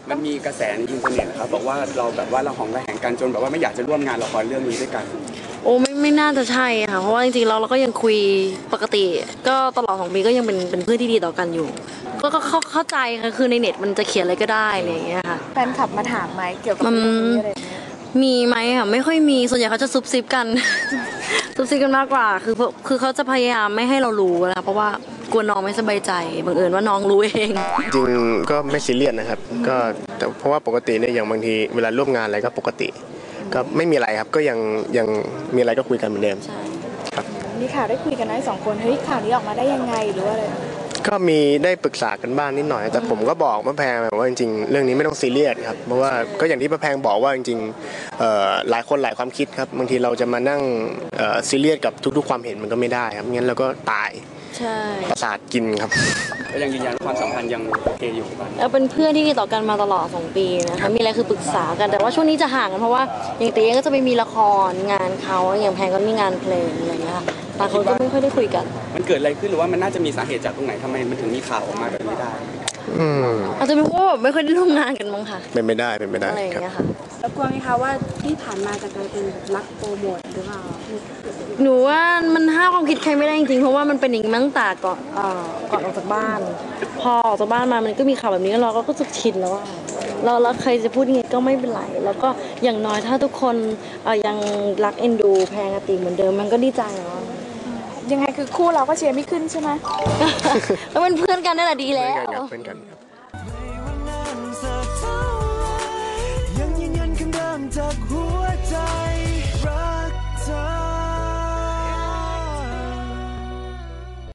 มันมีกระแสในอินเทอร์เน็ตนะครับบอกว่าเราแบบว่าเราหองระแหงกันจนแบบว่าไม่อยากจะร่วมงานละครเรื่องนี้ด้วยกันโอ้ไม่น่าจะใช่ค่ะเพราะว่าจริงๆเราก็ยังคุยปกติก็ตลอด2 ปีก็ยังเป็นเพื่อนที่ดีต่อกันอยู่ก็เข้าใจค่ะคือในเน็ตมันจะเขียนอะไรก็ได้อะไรอย่างเงี้ยค่ะแฟนคลับมาถามไหมเกี่ยวกับเรื่องนี้อะไรอย่างเงี้ยมีไหมค่ะไม่ค่อยมีส่วนใหญ่เขาจะซุบซิบกัน ซุบซิบกันมากกว่าคือเขาจะพยายามไม่ให้เรารู้นะคะเพราะว่ากลัวน้องไม่สบายใจบังเอิญว่าน้องรู้เองจริงก็ไม่ซีเรียสนะครับก็แต่เพราะว่าปกติเนี่ยอย่างบางทีเวลาร่วมงานอะไรก็ปกติก็ไม่มีอะไรครับก็ยังมีอะไรก็คุยกันเหมือนเดิมครับมีข่าวได้คุยกันไหม2 คนเฮ้ยข่าวนี้ออกมาได้ยังไงหรือว่าอะไรก็มีได้ปรึกษากันบ้างนิดหน่อยแต่ผมก็บอกมะแพงว่าจริงๆเรื่องนี้ไม่ต้องซีเรียสครับเพราะว่าก็อย่างที่มะแพงบอกว่าจริงๆหลายคนหลายความคิดครับบางทีเราจะมานั่งซีเรียสกับทุกๆความเห็นมันก็ไม่ได้ครับงั้นเราก็ตายใช่ประสาทกินครับก็ยังยืนยันว่าความสัมพันธ์ยังโอเคอยู่บ้างแล้วเป็นเพื่อนที่ดีต่อกันมาตลอด2 ปีนะคะมีอะไรคือปรึกษากันแต่ว่าช่วงนี้จะห่างกันเพราะว่าอย่างเต้ก็จะไปมีละครงานเขาอย่างแพงก็มีงานเพลงอะไรอย่างเงี้ยค่ะต่างคนก็ไม่ค่อยได้คุยกันมันเกิดอะไรขึ้นหรือว่ามันน่าจะมีสาเหตุจากตรงไหนทำไมมันถึงมีข่าวออกมาแบบนี้ได้อาจจะเป็นเพราะว่าไม่ค่อยได้ร่วมงานกันมั้งค่ะเป็นไม่ได้อะไรอย่างเงี้ยค่ะแล้วกลัวไหมคะว่าที่ผ่านมาจะกลายเป็นรักโปรโมทหรือเปล่าหนูว่ามันห้ามความคิดใครไม่ได้จริงๆเพราะว่ามันเป็นอย่างนี้มาตั้งแต่ก่อนออกจากบ้านพอออกจากบ้านมามันก็มีข่าวแบบนี้เราก็จะชินแล้วว่าเราใครจะพูดยังไงก็ไม่เป็นไรแล้วก็อย่างน้อยถ้าทุกคนยังรักเอ็นดูแพงติเหมือนเดิมมันก็ดีใจแล้วยังไงคือคู่เราก็เชียร์ไม่ขึ้นใช่ไหมแล้วเป็นเพื่อนกันนั่นแหละดีแล้วเพื่อนกันยังยืนยันคำเดิมจากหัว